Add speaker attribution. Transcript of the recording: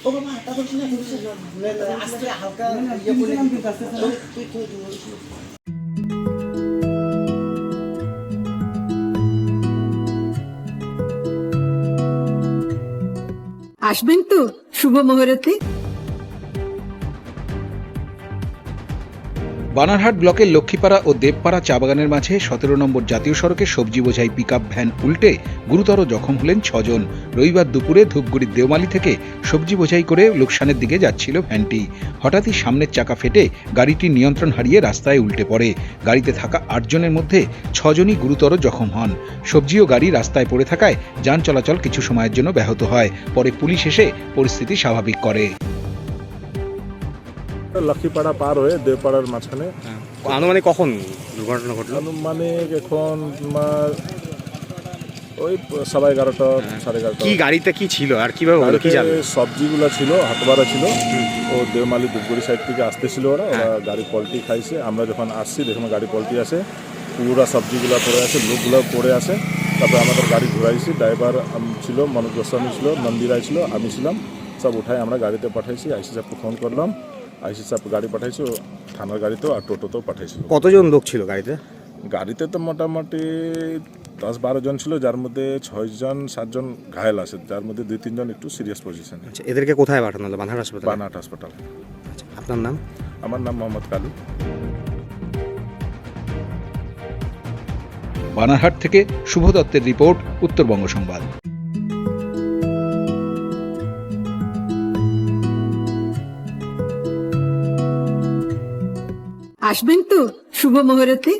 Speaker 1: ও বাবা তা বলছি না আজকে হালকা ইয়ে করে তুই
Speaker 2: আসবেন তো শুভ মুহূর্তে।
Speaker 3: বানারহাট ব্লকের লক্ষ্মীপাড়া ও দেবপাড়া চা বাগানের মাঝে 17 নম্বর জাতীয় সড়কে সবজি বোঝাই পিকআপ ভ্যান উল্টে গুরুতর জখম হলেন 6 জন। রবিবার দুপুরে ধূপগুড়ির দেওমালি থেকে সবজি বোঝাই করে লোকসানের দিকে যাচ্ছিল ভ্যানটি। হঠাৎই সামনের চাকা ফেটে গাড়িটি নিয়ন্ত্রণ হারিয়ে রাস্তায় উল্টে পড়ে। গাড়িতে থাকা 8 জনের মধ্যে 6 জনই গুরুতর জখম হন। সবজি ও গাড়ি রাস্তায় পড়ে থাকায় যান চলাচল কিছু সময়ের জন্য ব্যাহত হয়। পরে পুলিশ এসে পরিস্থিতি স্বাভাবিক করে।
Speaker 4: লক্ষ্মীপাড়া পার হয়ে দেবপাড়ার মাঝখানে
Speaker 5: আনুমানিক কখন দুর্ঘটনা ঘটলো?
Speaker 4: আনুমানিক এখন তোমার ওই 11:30 11:30।
Speaker 5: কি গাড়িতে কি ছিল আর কিভাবে হলো কি জানেন?
Speaker 4: সবজিগুলো ছিল হাতবাড়া ছিল। ও দেওমালি ধূপগুড়ি সাইড থেকে আসতেছিল ওরা গাড়ি পল্টি খাইছে। আমরা যখন আসছি দেখুন গাড়ি পল্টি আসে, পুরা সবজিগুলো পড়ে আছে, লোকগুলো পড়ে আছে। তারপরে আমাদের গাড়ি ঘুরাইছি, ড্রাইভার ছিল মনোজ গোস্বামী ছিল, নন্দী রায় ছিল, আমি ছিলাম। সব উঠাই আমরা গাড়িতে পাঠাইছি। আইসি সাহেবকে ফোন করলাম, আইসি সাহেব গাড়ি পাঠাইছি, থানার গাড়িতেও আর টোটোতেও পাঠাইছিল।
Speaker 5: কতজন লোক ছিল গাড়িতে?
Speaker 4: গাড়িতে তো মোটামুটি 10-12 জন ছিল, যার মধ্যে 6-7 জন ঘায়েল আছে, যার মধ্যে 2-3 জন একটু সিরিয়াস পজিশনে।
Speaker 5: আচ্ছা, এদেরকে কোথায় পাঠানো হলো? বানারহাট হাসপাতালে?
Speaker 4: বানারহাট হাসপাতাল।
Speaker 5: আচ্ছা, আপনার নাম?
Speaker 4: আমার নাম মোহাম্মদ কালু।
Speaker 3: বানারহাট থেকে শুভ দত্তের রিপোর্ট, উত্তরবঙ্গ সংবাদ।
Speaker 2: আসবেন তো শুভ মুহূর্তে।